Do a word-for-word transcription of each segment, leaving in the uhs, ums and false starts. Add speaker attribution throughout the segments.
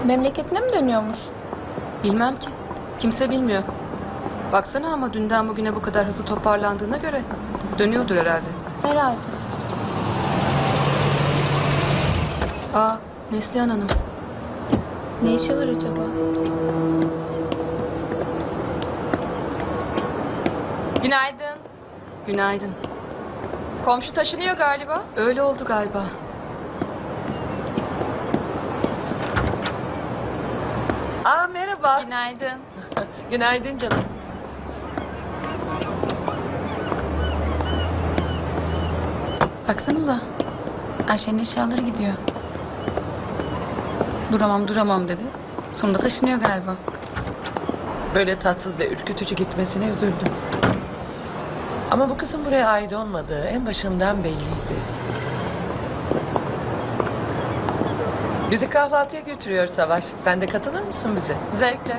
Speaker 1: Memleketine mi dönüyormuş?
Speaker 2: Bilmem ki. Kimse bilmiyor. Baksana ama dünden bugüne bu kadar hızlı toparlandığına göre dönüyordur herhalde.
Speaker 1: Herhalde.
Speaker 2: Aa, Neslihan Hanım.
Speaker 1: Ne işi var acaba? Günaydın.
Speaker 2: Günaydın.
Speaker 1: Komşu taşınıyor galiba.
Speaker 2: Öyle oldu galiba.
Speaker 3: Aa merhaba.
Speaker 1: Günaydın.
Speaker 3: Günaydın canım.
Speaker 4: Baksanıza. Ayşe'nin eşyaları gidiyor. Duramam duramam dedi. Sonunda taşınıyor galiba.
Speaker 3: Böyle tatsız ve ürkütücü gitmesine üzüldüm. Ama bu kızın buraya ait olmadığı en başından belliydi. Bizi kahvaltıya götürüyor Savaş. Sen de katılır mısın bize?
Speaker 1: Zevkle.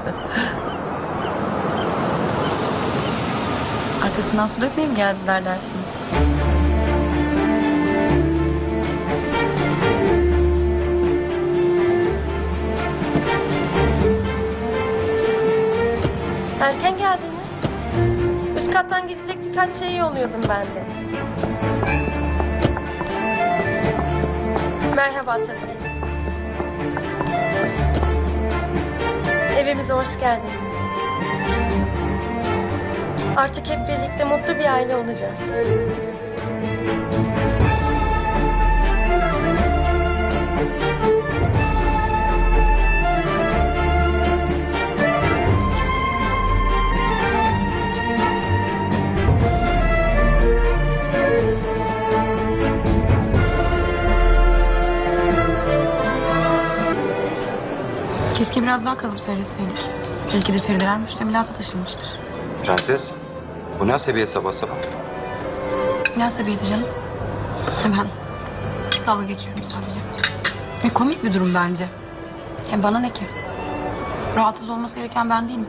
Speaker 4: Arkasından su dökmeye mi geldiler dersiniz?
Speaker 1: Erken geldiniz. Üst kattan gidecek birkaç şey yolluyordum ben de. Merhaba tabii. Evimize hoş geldiniz. Artık hep birlikte mutlu bir aile olacağız.
Speaker 4: Keşke biraz daha kalıp söyleseydik. Belki de Ferideler müştemilata taşınmıştır.
Speaker 5: Prenses, bu ne asabiye sabah sabah?
Speaker 4: Ne asabiyeti canım? Ben dalga geçiyorum sadece. E, komik bir durum bence. E, bana ne ki? Rahatsız olması gereken ben değilim.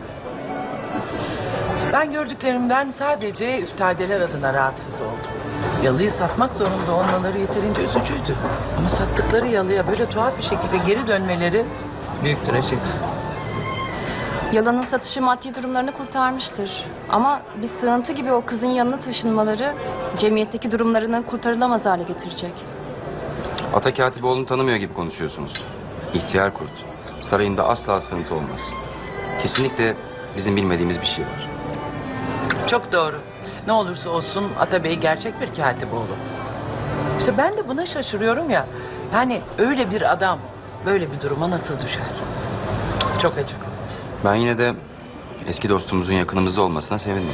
Speaker 3: Ben gördüklerimden sadece üftadeler adına rahatsız oldum. Yalıyı satmak zorunda olmaları yeterince üzücüydü. Ama sattıkları yalıya böyle tuhaf bir şekilde geri dönmeleri büyük trajedi.
Speaker 6: Yalanın satışı maddi durumlarını kurtarmıştır. Ama bir sığıntı gibi o kızın yanına taşınmaları cemiyetteki durumlarını kurtarılamaz hale getirecek.
Speaker 5: Ata Katipoğlu'nu tanımıyor gibi konuşuyorsunuz. İhtiyar kurt. Sarayında asla sığıntı olmaz. Kesinlikle bizim bilmediğimiz bir şey var.
Speaker 3: Çok doğru. Ne olursa olsun Atabey gerçek bir Katipoğlu. İşte ben de buna şaşırıyorum ya. Yani öyle bir adam böyle bir duruma nasıl düşer? Çok acıklı.
Speaker 5: Ben yine de eski dostumuzun yakınımızda olmasına sevindim.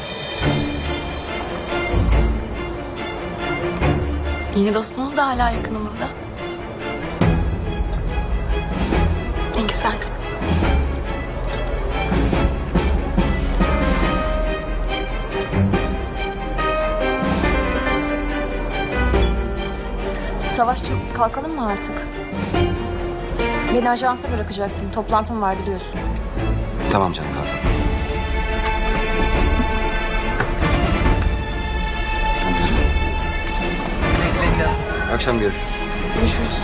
Speaker 4: Yeni dostumuz da hala yakınımızda. Ne güzel.
Speaker 6: Savaşçım kalkalım mı artık? Beni ajansa bırakacaktın. Toplantım var biliyorsun.
Speaker 5: Tamam canım, kalk.
Speaker 3: Bekle canım.
Speaker 5: Akşam görüşürüz.
Speaker 6: Görüşürüz.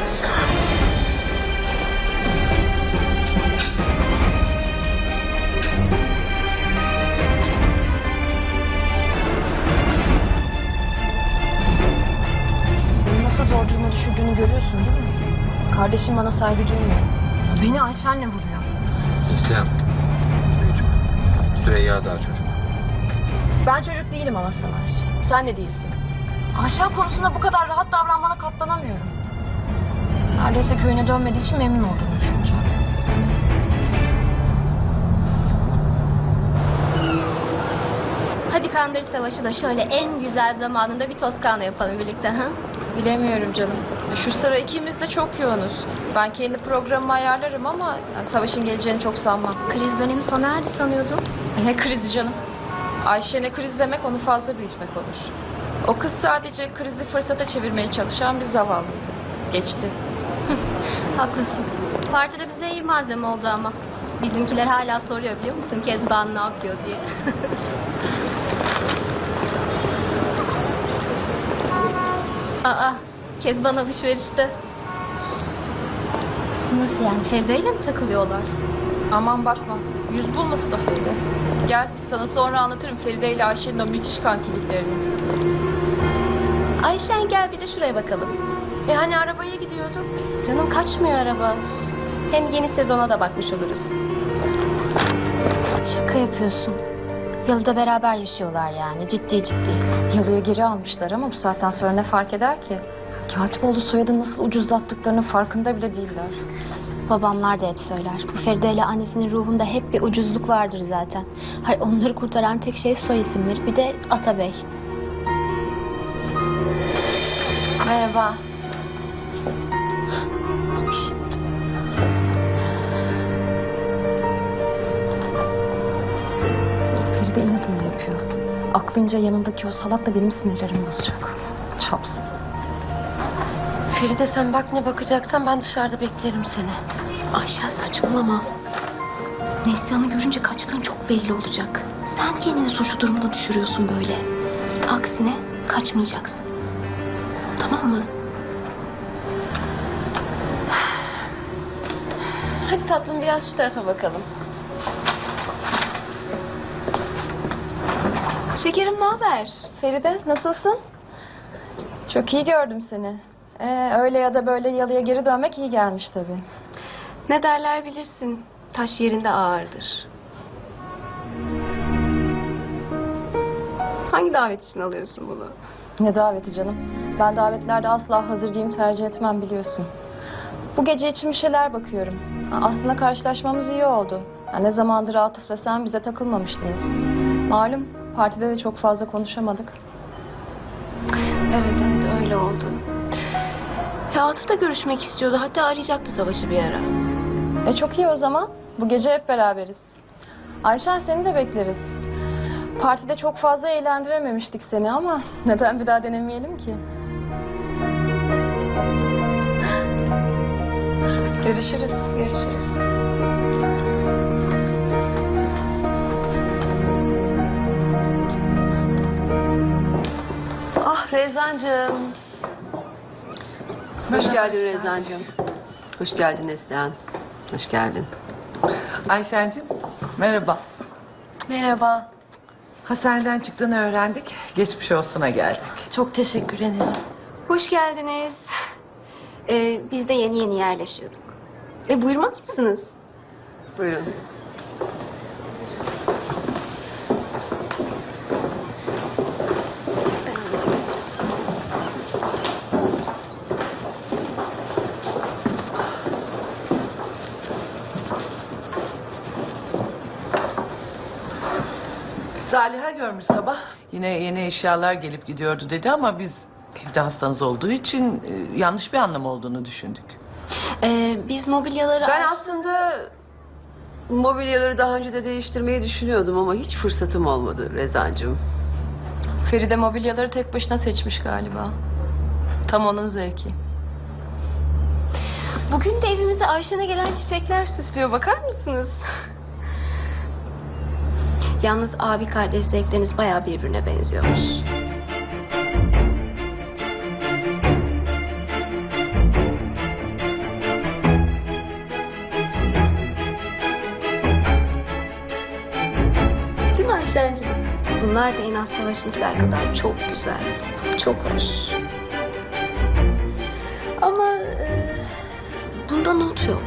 Speaker 6: Beni nasıl zor duruma düşürdüğünü görüyorsun değil mi? Kardeşim bana saygı duymuyor. Beni Ayşen'le vuruyor.
Speaker 5: Neslihan. Çocuk. Süreyya daha çocuk.
Speaker 6: Ben çocuk değilim ama Savaş. Sen de değilsin. Ayşen konusunda bu kadar rahat davranmana katlanamıyorum. Neredeyse köyüne dönmediği için memnun olduğunu düşüneceğim.
Speaker 7: Hadi Kandır Savaşı da şöyle en güzel zamanında bir Toskana yapalım birlikte, ha?
Speaker 6: Bilemiyorum canım. Şu sıra ikimiz de çok yoğunuz. Ben kendi programımı ayarlarım ama yani Savaş'ın geleceğini çok sanmam.
Speaker 7: Kriz dönemi sona erdi sanıyordum.
Speaker 6: Ne krizi canım? Ayşe'ne kriz demek onu fazla büyütmek olur. O kız sadece krizi fırsata çevirmeye çalışan bir zavallıydı. Geçti.
Speaker 7: Haklısın. Partide bize iyi malzeme oldu ama. Bizimkiler hala soruyor biliyor musun Kezban ne yapıyor diye. Aa, Kezban alışverişte. Nasıl yani? Feride ile mi takılıyorlar?
Speaker 6: Aman bakma. Yüz bulmasın o Feride. Gel sana sonra anlatırım Feride ile Ayşe'nin o müthiş kankiliklerini.
Speaker 1: Ayşen gel bir de şuraya bakalım. E hani arabaya gidiyorduk. Canım kaçmıyor araba. Hem yeni sezona da bakmış oluruz.
Speaker 7: Şaka yapıyorsun. Yalıda beraber yaşıyorlar yani. Ciddi ciddi.
Speaker 6: Yalıya geri almışlar ama bu saatten sonra ne fark eder ki? Katipoğlu soyadını nasıl ucuzlattıklarının farkında bile değiller.
Speaker 7: Babamlar da hep söyler. Bu Feride ile annesinin ruhunda hep bir ucuzluk vardır zaten. Hayır, onları kurtaran tek şey soy isimleri. Bir de Atabey.
Speaker 1: Merhaba.
Speaker 6: Feride inadını yapıyor. Aklınca yanındaki o salak da benim sinirlerimi bozacak. Çapsız.
Speaker 1: Feride sen bak ne bakacaksan ben dışarıda beklerim seni.
Speaker 7: Ayşen saçmalama. Neslihan'ı görünce kaçtığın çok belli olacak. Sen kendini suçlu durumda düşürüyorsun böyle. Aksine kaçmayacaksın. Tamam mı?
Speaker 1: Hadi tatlım biraz şu tarafa bakalım.
Speaker 6: Şekerim ne haber? Feride nasılsın? Çok iyi gördüm seni. Ee, öyle ya da böyle yalıya geri dönmek iyi gelmiş tabii.
Speaker 1: Ne derler bilirsin. Taş yerinde ağırdır. Hangi davet için alıyorsun bunu?
Speaker 6: Ne daveti canım? Ben davetlerde asla hazır giyim tercih etmem biliyorsun. Bu gece için bir şeyler bakıyorum. Ha, aslında karşılaşmamız iyi oldu. Ha, ne zamandır Atıf'la sen bize takılmamıştınız. Malum partide de çok fazla konuşamadık.
Speaker 1: Evet evet öyle oldu. Ya Atıf da görüşmek istiyordu. Hatta arayacaktı Savaş'ı bir ara.
Speaker 6: E çok iyi o zaman. Bu gece hep beraberiz. Ayşen seni de bekleriz. Partide çok fazla eğlendirememiştik seni ama neden bir daha denemeyelim ki? Görüşürüz.
Speaker 1: Görüşürüz.
Speaker 8: Ah Rezancığım. Hoş geldin Rezancığım. Hoş geldin Neslihan. Hoş geldin.
Speaker 3: Ayşen'cim merhaba.
Speaker 1: Merhaba.
Speaker 3: Hastaneden çıktığını öğrendik. Geçmiş olsuna geldik.
Speaker 1: Çok teşekkür ederim.
Speaker 9: Hoş geldiniz. Ee, biz de yeni yeni yerleşiyorduk. E buyurmaz mısınız?
Speaker 8: Buyurun.
Speaker 3: Zaliha görmüş sabah. Yine yeni eşyalar gelip gidiyordu dedi ama biz evde hastanız olduğu için e, yanlış bir anlam olduğunu düşündük.
Speaker 9: Ee, biz mobilyaları...
Speaker 8: Ben aslında mobilyaları daha önce de değiştirmeyi düşünüyordum ama hiç fırsatım olmadı Rezancığım.
Speaker 6: Feride mobilyaları tek başına seçmiş galiba. Tam onun zevki.
Speaker 1: Bugün de evimize Ayşen'e gelen çiçekler süslüyor. Bakar mısınız?
Speaker 9: Yalnız abi kardeş zevkleriniz bayağı birbirine benziyormuş. Değil mi Ayşen'cim? Bunlar da en az Savaş'ınkiler kadar çok güzel. Çok hoş. Ama e, bunda not yok.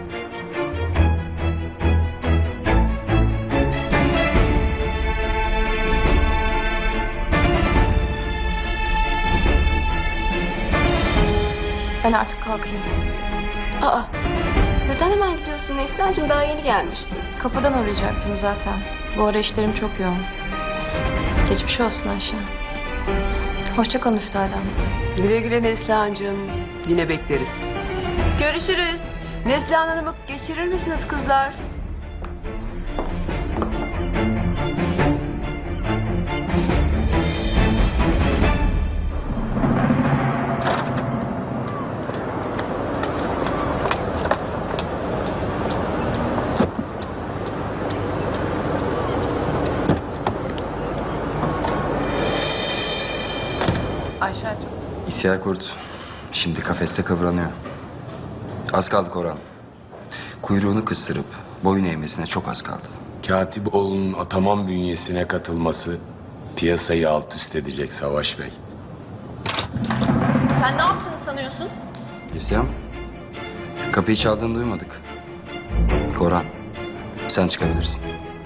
Speaker 6: Ben artık kalkayım.
Speaker 9: Aa, neden hemen gidiyorsun Neslihan'cığım? Daha yeni gelmiştin.
Speaker 6: Kapıdan uğrayacaktım zaten. Bu ara işlerim çok yoğun. Geçmiş olsun Ayşe. Hoşça kalın Üftade Hanım.
Speaker 8: Güle güle Neslihan'cığım. Yine bekleriz.
Speaker 9: Görüşürüz.
Speaker 8: Neslihan Hanım'ı geçirir misiniz kızlar?
Speaker 3: Ayşen'cim
Speaker 5: İhtiyar kurt şimdi kafeste kıvranıyor. Az kaldı Koran. kuyruğunu kıstırıp boyun eğmesine çok az kaldı.
Speaker 10: Katipoğlu'nun Ataman bünyesine katılması piyasayı alt üst edecek Savaş Bey.
Speaker 6: Sen ne yaptığını sanıyorsun?
Speaker 5: İsyan, kapıyı çaldığını duymadık. Koran, sen çıkabilirsin.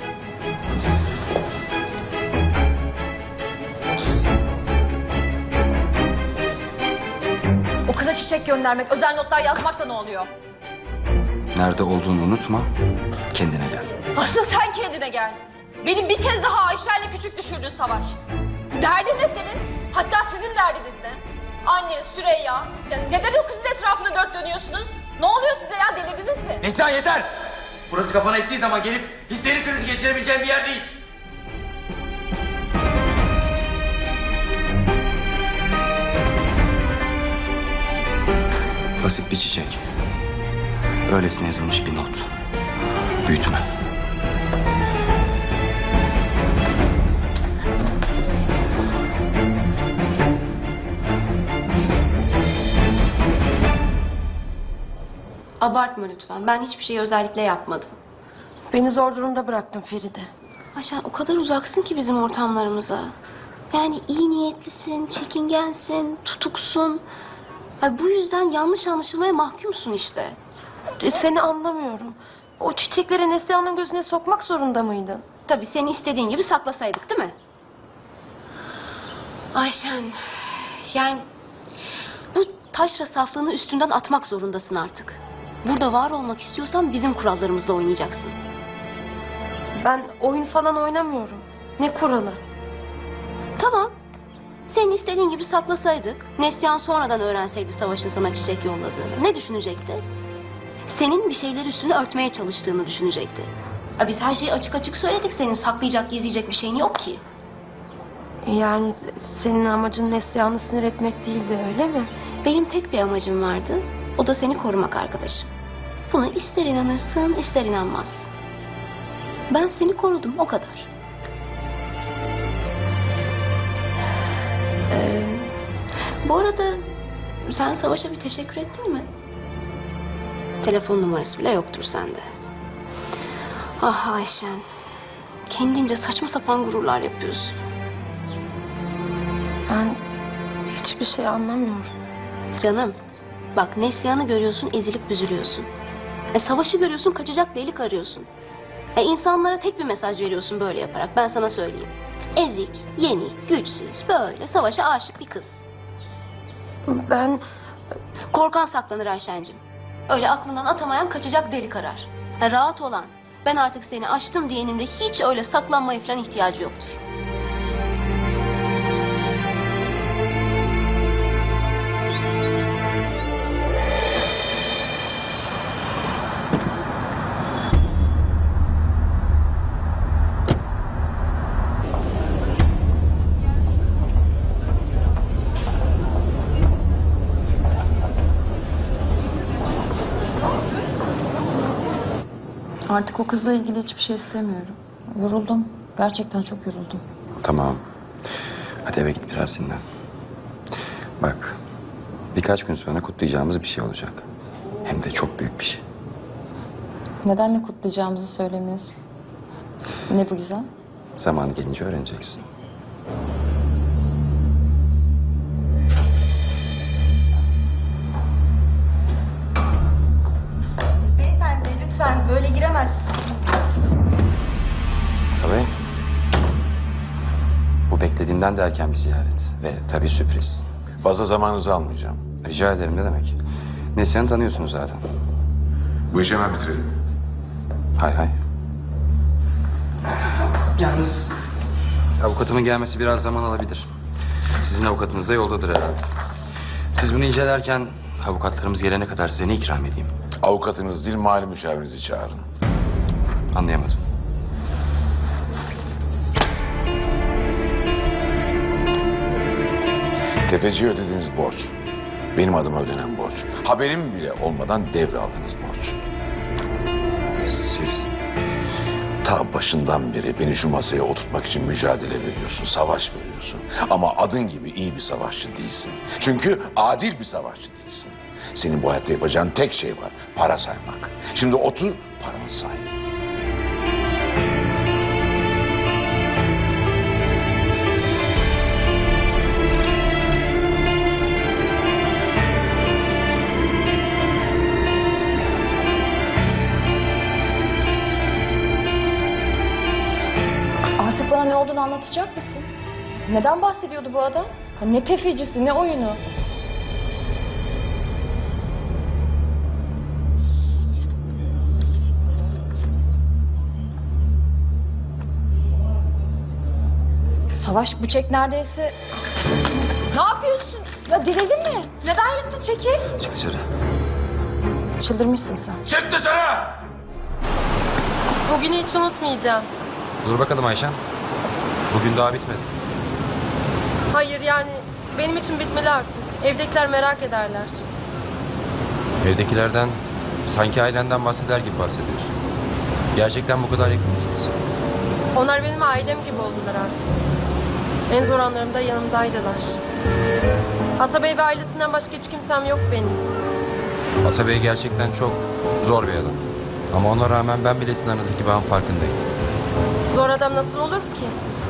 Speaker 6: O kıza çiçek göndermek, özel notlar yazmak da ne oluyor?
Speaker 5: Nerede olduğunu unutma, kendine gel.
Speaker 6: Asıl sen kendine gel. Benim bir kez daha Ayşe'yle küçük düşürdün Savaş. Derdin ne senin? Hatta sizin derdiniz ne? Anne, Süreyya. Ya neden o kızın etrafında dört dönüyorsunuz? Ne oluyor size ya, delirdiniz mi?
Speaker 11: Neslihan yeter! Burası kafana ettiği zaman gelip histeri krizi geçirebileceğin bir yer değil.
Speaker 5: Basit bir çiçek. Öylesine yazılmış bir not. Büyütme.
Speaker 9: Abartma lütfen. Ben hiçbir şeyi özellikle yapmadım.
Speaker 1: Beni zor durumda bıraktın Feride.
Speaker 9: Ayşen o kadar uzaksın ki bizim ortamlarımıza. Yani iyi niyetlisin, çekingensin, tutuksun. Ay, bu yüzden yanlış anlaşılmaya mahkumsun işte.
Speaker 1: E, Seni anlamıyorum. O çiçekleri Neslihan'ın gözüne sokmak zorunda mıydın?
Speaker 9: Tabii seni istediğin gibi saklasaydık değil mi? Ayşen, yani bu taşra saflığını üstünden atmak zorundasın artık. Burada var olmak istiyorsan bizim kurallarımızla oynayacaksın.
Speaker 1: Ben oyun falan oynamıyorum. Ne kuralı?
Speaker 9: Tamam. Senin istediğin gibi saklasaydık, Neslihan sonradan öğrenseydi Savaş'ın sana çiçek yolladığını, ne düşünecekti? Senin bir şeyler üstünü örtmeye çalıştığını düşünecekti. Ya biz her şeyi açık açık söyledik, senin saklayacak, gizleyecek bir şeyin yok ki.
Speaker 1: Yani senin amacın Neslihan'ı sinir etmek değildi, öyle mi?
Speaker 9: Benim tek bir amacım vardı, o da seni korumak arkadaşım. Buna ister inanırsın, ister inanmazsın. Ben seni korudum, o kadar. Ee, bu arada sen Savaş'a bir teşekkür ettin mi? Telefon numarası bile yoktur sende. Ah Ayşen, kendince saçma sapan gururlar yapıyorsun.
Speaker 1: Ben hiçbir şey anlamıyorum.
Speaker 9: Canım, bak Neslihan'ı görüyorsun, ezilip büzülüyorsun. E, Savaş'ı görüyorsun, kaçacak delik arıyorsun. E, insanlara tek bir mesaj veriyorsun böyle yaparak, ben sana söyleyeyim. Ezik, yenik, güçsüz, böyle Savaş'a aşık bir kız.
Speaker 1: Ben...
Speaker 9: Korkan saklanır Ayşen'cim. Öyle aklından atamayan kaçacak delik arar. Ha, rahat olan, ben artık seni açtım diyenin de hiç öyle saklanmaya falan ihtiyacı yoktur.
Speaker 6: Artık o kızla ilgili hiçbir şey istemiyorum. Yoruldum. Gerçekten çok yoruldum.
Speaker 5: Tamam. Hadi eve git biraz dinlen. Bak, birkaç gün sonra kutlayacağımız bir şey olacak. Hem de çok büyük bir şey.
Speaker 6: Neden ne kutlayacağımızı söylemiyorsun? Ne bu güzel?
Speaker 5: Zamanı gelince öğreneceksin.
Speaker 1: Beyefendi lütfen böyle giremezsiniz.
Speaker 5: Tabii. Bu beklediğimden de erken bir ziyaret. Ve tabii sürpriz.
Speaker 12: Fazla zamanınızı almayacağım.
Speaker 5: Rica ederim, ne demek. Neslihan'ı tanıyorsunuz zaten.
Speaker 12: Bu işi hemen bitirelim.
Speaker 5: Hay hay.
Speaker 3: Yalnız
Speaker 5: Avukatımın gelmesi biraz zaman alabilir. Sizin avukatınız da yoldadır herhalde. Siz bunu incelerken avukatlarımız gelene kadar size ne ikram edeyim?
Speaker 12: Avukatınız değil, mali müşavirinizi çağırın.
Speaker 5: Anlayamadım.
Speaker 12: Tefeciye ödediğiniz borç. Benim adıma ödenen borç. Haberim bile olmadan devraldığınız borç. Siz ta başından beri beni şu masaya oturtmak için mücadele veriyorsun, savaş veriyorsun. Ama adın gibi iyi bir savaşçı değilsin. Çünkü adil bir savaşçı değilsin. Senin bu hayatta yapacağın tek şey var. Para saymak. Şimdi otur paranı say.
Speaker 6: Artık bana ne olduğunu anlatacak mısın? Neden bahsediyordu bu adam? Ha, ne tefecisi, ne oyunu? Savaş, bu çek neredeyse... Ne yapıyorsun? Ya delirdin mi? Neden yırttı çeki?
Speaker 5: Çık dışarı.
Speaker 6: Çıldırmışsın sen.
Speaker 11: Çık dışarı!
Speaker 6: Bugünü hiç unutmayacağım.
Speaker 5: Dur bakalım Ayşen. Bugün daha bitmedi.
Speaker 6: Hayır yani benim için bitmeli artık. Evdekiler merak ederler.
Speaker 5: Evdekilerden sanki ailenden bahseder gibi bahsediyorsun. Gerçekten bu kadar yakın mısınız?
Speaker 6: Onlar benim ailem gibi oldular artık. En zor anlarımda yanımdaydılar. Atabey ve ailesinden başka hiç kimsem yok benim.
Speaker 5: Atabey gerçekten çok zor bir adam. Ama ona rağmen ben bile sizin aranızdaki bağın farkındayım.
Speaker 6: Zor adam nasıl olur ki?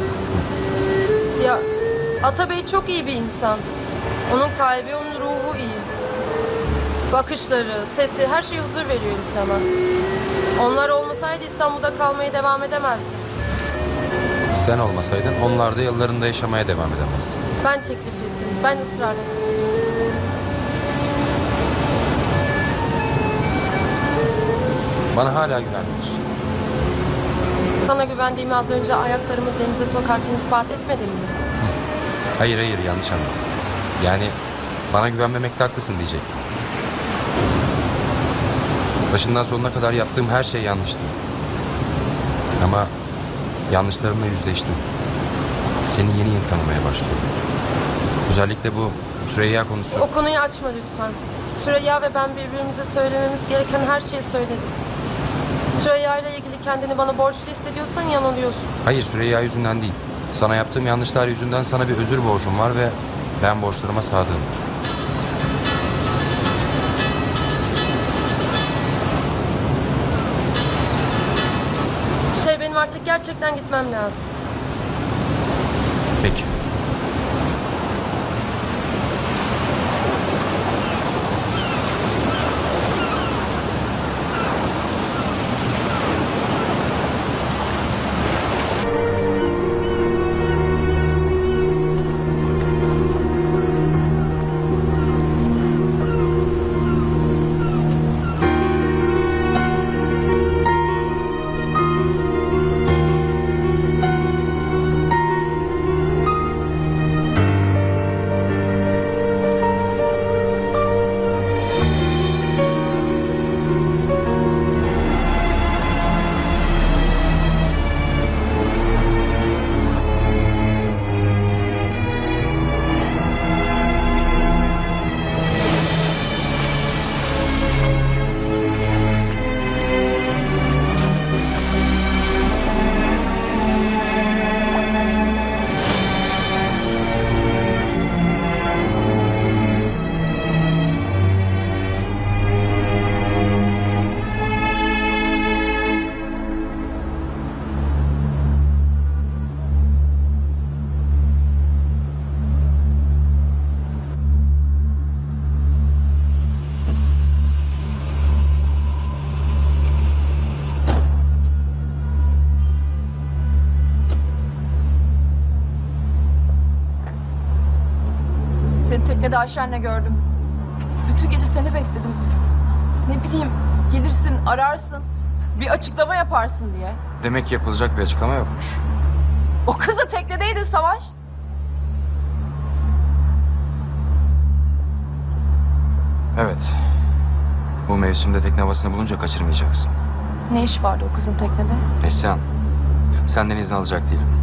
Speaker 6: Ya Atabey çok iyi bir insan. Onun kalbi, onun ruhu iyi. Bakışları, sesi, her şey huzur veriyor insana. Onlar olmasaydı İstanbul'da kalmaya devam edemezdim.
Speaker 5: Sen olmasaydın onlar da yıllarında yaşamaya devam edemezdi.
Speaker 6: Ben teklif ettim, ben ısrar ettim.
Speaker 5: Bana hala güvenmiyorsun.
Speaker 6: Sana güvendiğimi az önce ayaklarımı denize sokarken ispat etmedim mi?
Speaker 5: Hayır hayır yanlış anladın. Yani bana güvenmemekte haklısın diyecektim. Başından sonuna kadar yaptığım her şey yanlıştı. Ama yanlışlarımla yüzleştim. Seni yeni yeni tanımaya başlıyorum. Özellikle bu Süreyya konusu.
Speaker 6: O konuyu açma lütfen. Süreyya ve ben birbirimize söylememiz gereken her şeyi söyledik. Süreyya ile ilgili kendini bana borçlu hissediyorsan yanılıyorsun.
Speaker 5: Hayır Süreyya yüzünden değil. Sana yaptığım yanlışlar yüzünden sana bir özür borcum var ve ben borçlarıma sadığım.
Speaker 6: Şey benim artık gerçekten gitmem lazım.
Speaker 5: Peki.
Speaker 6: Seni teknede Ayşen'le gördüm. Bütün gece seni bekledim. Ne bileyim, gelirsin, ararsın. Bir açıklama yaparsın diye.
Speaker 5: Demek ki yapılacak bir açıklama yokmuş.
Speaker 6: O kız da teknedeydi Savaş.
Speaker 5: Evet. Bu mevsimde tekne havasını bulunca kaçırmayacaksın.
Speaker 6: Ne iş vardı o kızın teknede?
Speaker 5: Neslihan, senden izin alacak değilim.